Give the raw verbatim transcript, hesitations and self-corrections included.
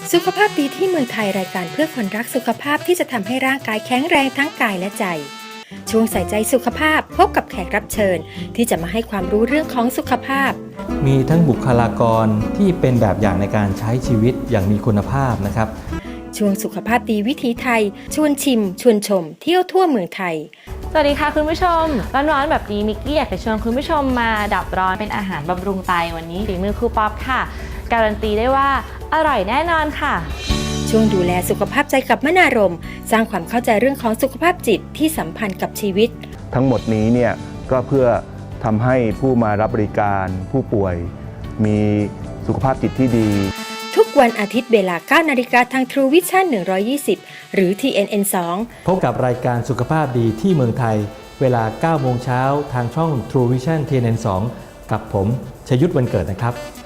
สุขภาพดีที่เมืองไทยรายการเพื่อคนรักสุขภาพที่จะทำให้ร่างกายแข็งแรงทั้งกายและใจ ช่วงใส่ใจสุขภาพพบกับแขกรับเชิญที่จะมาให้ความรู้เรื่องของสุขภาพมีทั้งบุคลากรที่เป็นแบบอย่างในการใช้ชีวิตอย่างมีคุณภาพนะครับช่วงสุขภาพดีวิถีไทยชวนชิมชวนชมเที่ยวทั่วเมืองไทยสวัสดีค่ะคุณผู้ชมร้อนๆแบบนี้มิกกี้อยากจะชวนคุณผู้ชมมาดับร้อนเป็นอาหารบำรุงไตวันนี้ฝีมือครูป๊อปค่ะการันตีได้ว่าอร่อยแน่นอนค่ะช่วงดูแลสุขภาพใจกับมนารมสร้างความเข้าใจเรื่องของสุขภาพจิตที่สัมพันธ์กับชีวิตทั้งหมดนี้เนี่ยก็เพื่อทำให้ผู้มารับบริการผู้ป่วยมีสุขภาพจิตที่ดีทุกวันอาทิตย์เวลา เก้านาฬิกาทาง True Vision หนึ่งร้อยยี่สิบ หรือ ที เอ็น เอ็น สองพบกับรายการสุขภาพดีที่เมืองไทยเวลา เก้าโมงเช้าทางช่อง True Vision ที เอ็น เอ็น สอง กับผมชยุทธ วันเกิดนะครับ